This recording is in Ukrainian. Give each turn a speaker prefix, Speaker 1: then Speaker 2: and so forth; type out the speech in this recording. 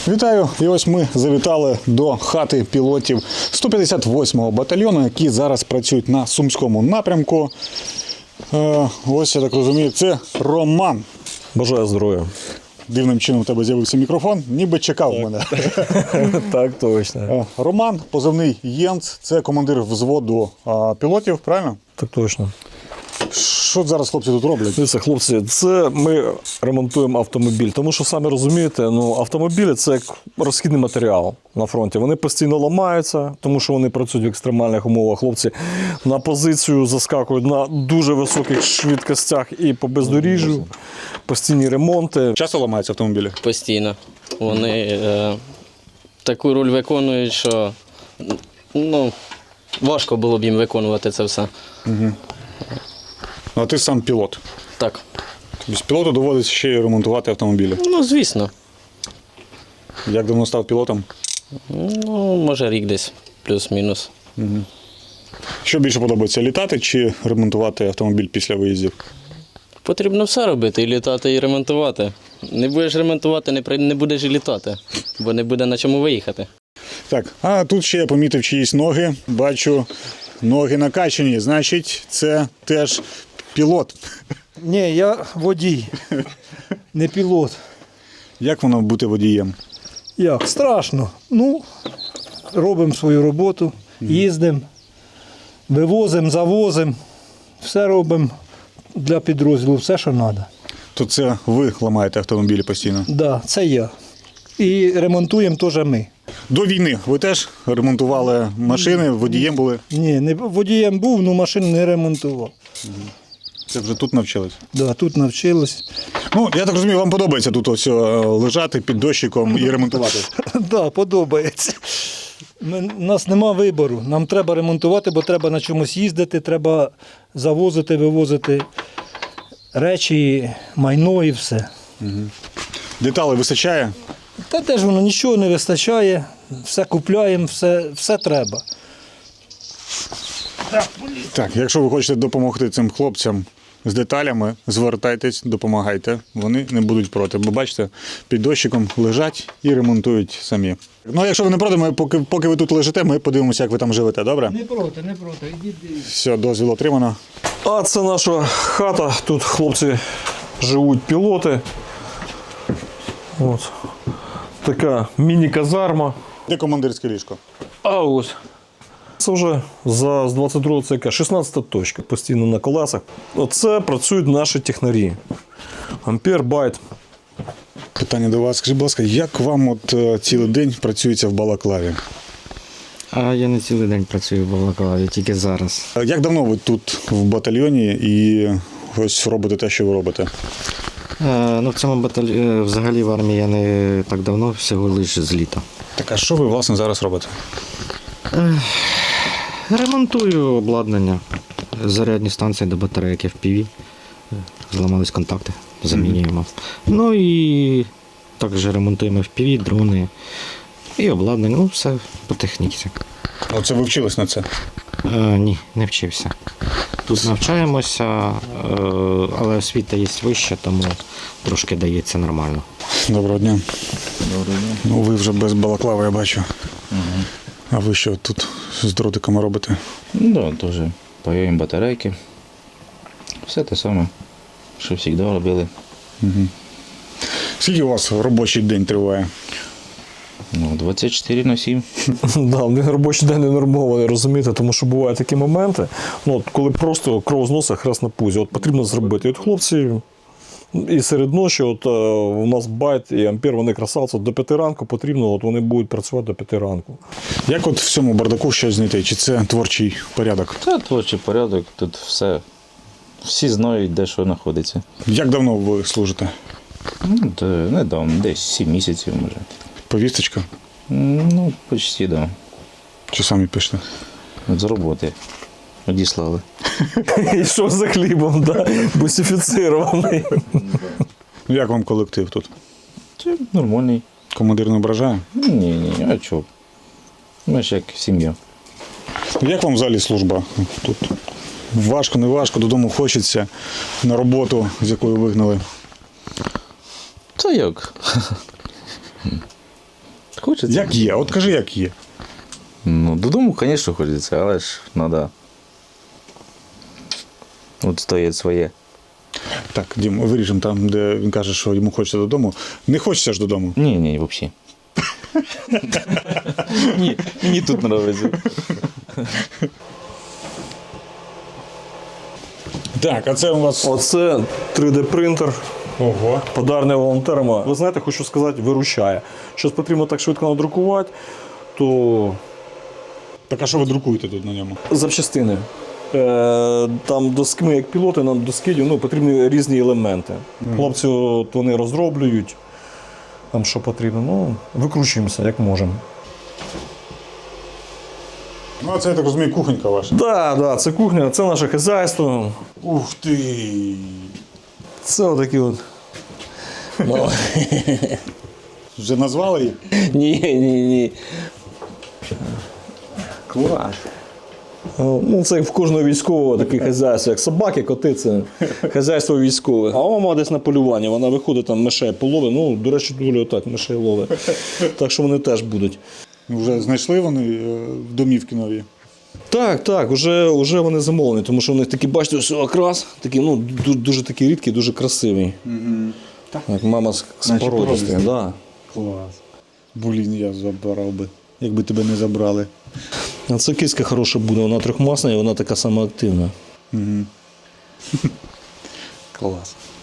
Speaker 1: Вітаю! І ось ми завітали до хати пілотів 158-го батальйону, які зараз працюють на Сумському напрямку. Ось, я так розумію, це Роман.
Speaker 2: Бажаю здоров'я.
Speaker 1: Дивним чином у тебе з'явився мікрофон, ніби чекав мене.
Speaker 2: Так, точно.
Speaker 1: Роман, позивний Єнц, це командир взводу пілотів, правильно?
Speaker 2: Так точно.
Speaker 1: Що зараз хлопці тут роблять?
Speaker 2: Дивіться, хлопці, це ми ремонтуємо автомобіль, тому що, самі розумієте, автомобілі – це як розхідний матеріал на фронті. Вони постійно ламаються, тому що вони працюють в екстремальних умовах. Хлопці на позицію заскакують на дуже високих швидкостях і по бездоріжжю, постійні ремонти.
Speaker 1: Часто ламаються автомобілі?
Speaker 3: Постійно. Вони таку роль виконують, що важко було б їм виконувати це все.
Speaker 1: А ти сам пілот.
Speaker 3: Так.
Speaker 1: Без пілоту доводиться ще й ремонтувати автомобілі.
Speaker 3: Звісно.
Speaker 1: Як давно став пілотом?
Speaker 3: Може рік десь, плюс-мінус.
Speaker 1: Що більше подобається, літати чи ремонтувати автомобіль після виїздів?
Speaker 3: Потрібно все робити, і літати, і ремонтувати. Не будеш ремонтувати, не будеш і літати, бо не буде на чому виїхати.
Speaker 1: Так, а тут ще я помітив чиїсь ноги. Бачу, ноги накачані. Значить, це теж пілот.
Speaker 4: Ні, я водій, не пілот.
Speaker 1: Як воно бути водієм?
Speaker 4: Як? Страшно. Робимо свою роботу, їздимо, вивозимо, завозимо, все робимо для підрозділу, все, що треба.
Speaker 1: То це ви ламаєте автомобілі постійно?
Speaker 4: Так, да, це я. І ремонтуємо теж ми.
Speaker 1: До війни ви теж ремонтували машини, водієм були?
Speaker 4: Ні, не водієм був, але машину не ремонтував.
Speaker 1: Це вже тут навчились?
Speaker 4: Да, тут навчились.
Speaker 1: Я так розумію, вам подобається тут ось лежати під дощиком і ремонтувати?
Speaker 4: Так, да, подобається. У нас нема вибору. Нам треба ремонтувати, бо треба на чомусь їздити, треба завозити, вивозити речі, майно і все.
Speaker 1: Деталей вистачає?
Speaker 4: Та теж воно нічого не вистачає, все купляємо, все треба.
Speaker 1: Так, якщо ви хочете допомогти цим хлопцям з деталями, звертайтесь, допомагайте. Вони не будуть проти. Бо бачите, під дощиком лежать і ремонтують самі. Якщо ви не проти, поки ви тут лежите, ми подивимося, як ви там живете, добре?
Speaker 4: Не проти. Ідіть.
Speaker 1: Все, дозвіл отримано.
Speaker 2: А це наша хата. Тут хлопці живуть пілоти. От. Така міні-казарма.
Speaker 1: Де командирське ліжко?
Speaker 2: А ось. Це вже з 22-го ЦК, 16-та точка, постійно на колесах. Оце працюють наші технарі. Ампер, байт.
Speaker 1: Питання до вас. Скажіть, будь ласка, як вам цілий день працюється в Балаклаві?
Speaker 5: А я не цілий день працюю в Балаклаві, тільки зараз.
Speaker 1: Як давно ви тут в батальйоні і ось робите те, що ви робите?
Speaker 5: В цьому батальйоні, взагалі в армії я не так давно, всього лише з літа.
Speaker 1: Так, а що ви, власне, зараз робите?
Speaker 5: Ремонтую обладнання, зарядні станції до батарейок FPV. Зламались контакти, замінюємо. І також ремонтуємо FPV, дрони і обладнання, все по техніці.
Speaker 1: Оце ви вчились на це?
Speaker 5: Ні, не вчився. Тут навчаємося, але освіта є вища, тому трошки дається нормально.
Speaker 1: Доброго дня. Доброго дня. Ви вже без балаклави, я бачу. А ви що тут з дротиками робите?
Speaker 6: Теж паяємо батарейки. Все те саме, що завжди робили.
Speaker 1: Скільки у вас робочий день триває?
Speaker 6: 24/7.
Speaker 2: Да, в них робочий день не нормований, розумієте, тому що бувають такі моменти, коли просто кров з носа, хрест на пузі. Потрібно зробити. І хлопці і серед ночі, у нас байт і ампер, вони красавці, до 5 ранку потрібно, вони будуть працювати до 5 ранку.
Speaker 1: Як в цьому бардаку щось знайти? Чи це творчий порядок?
Speaker 6: Це творчий порядок, тут все. Всі знають, де що знаходиться.
Speaker 1: Як давно ви служите?
Speaker 6: Недавно, десь 7 місяців може.
Speaker 1: Повісточка?
Speaker 6: Почти, так.
Speaker 1: Чи самі пишете?
Speaker 6: З роботи одіслали.
Speaker 2: Йшов за хлібом, бусифіцирований.
Speaker 1: Як вам колектив тут?
Speaker 6: Це нормальний.
Speaker 1: Командир не ображає?
Speaker 6: Ні, а чого? Ми ж як сім'я.
Speaker 1: Як вам взагалі служба тут? Важко, не важко, додому хочеться, на роботу, з якої вигнали?
Speaker 6: Це як? Хочеться.
Speaker 1: Як є? От кажи, як є.
Speaker 6: Ну, додому, звісно, хочеться, але ж треба відстояти своє.
Speaker 1: Так, Дім, виріжемо там, де він каже, що йому хочеться додому. Не хочеться ж додому.
Speaker 6: Ні, взагалі. Ні, мені тут подобається.
Speaker 1: Так, а це у вас.
Speaker 2: Оце 3D-принтер.
Speaker 1: Ого.
Speaker 2: Подарний волонтерами. Ви знаєте, хочу сказати, виручає. Щось потрібно так швидко надрукувати, то
Speaker 1: Так, а що ви друкуєте тут на ньому?
Speaker 2: запчастини. Там доски, ми як пілоти, нам до скидів потрібні різні елементи. Хлопці от вони розроблюють, там що потрібно. Ну, викручуємося, як можемо.
Speaker 1: Ну, а це, я так розумію, кухонька ваша.
Speaker 2: Так, це кухня, це наше хазяйство.
Speaker 1: Ух ти!
Speaker 2: Це отакі от. Ну.
Speaker 1: Вже назвали їх?
Speaker 2: Ні.
Speaker 1: Клас.
Speaker 2: Ну, це в кожного військового таке хазяйство, як собаки, коти, це хазяйство військове. А мама десь на полюванні, вона виходить там мишей половить. Ну, до речі, доволі отак мишей ловить. Так що вони теж будуть.
Speaker 1: Вже знайшли вони домівки нові.
Speaker 2: Так, вже вони замовлені, тому що у них такі, бачите, ось окрас, такий, ну, дуже такий рідкий, дуже красивий. Як мама з породистих, да.
Speaker 1: Клас. Блін, я забрав би, якби тебе не забрали.
Speaker 2: А це киська хороша буде, вона трьохмасна і вона така сама активна.
Speaker 1: Клас.